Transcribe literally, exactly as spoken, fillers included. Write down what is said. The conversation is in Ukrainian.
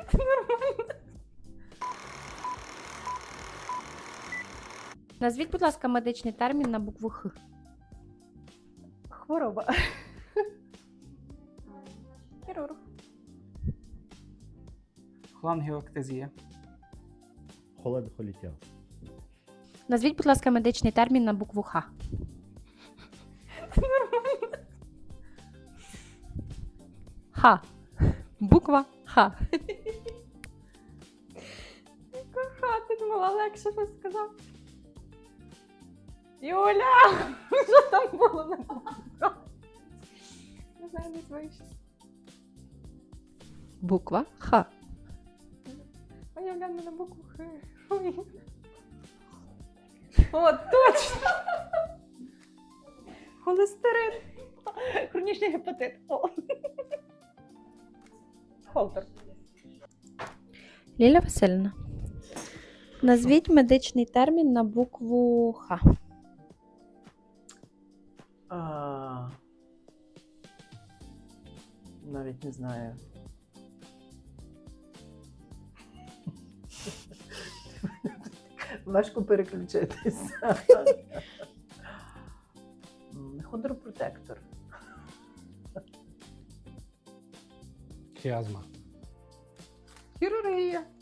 Назвіть, будь ласка, медичний термін на букву Х. Хвороба. Хірург. Хлангіоктезія. Холодохоліття. Назвіть, будь ласка, медичний термін на букву Х. Х. Буква Х. Ха, ти думала, легше щось сказав. Юля! Що там було на букву Х? Не знаю, не звичайно. Буква Х. Уявляю на букву Х. Ой. О, точно! Холестерин. Хронічний гепатит. О. Холтер. Ліля Васильівна. Назвіть медичний термін на букву Х. А... Навіть не знаю. Важко переключитися. М, Хондропротектор. Хіазма. Хірургія.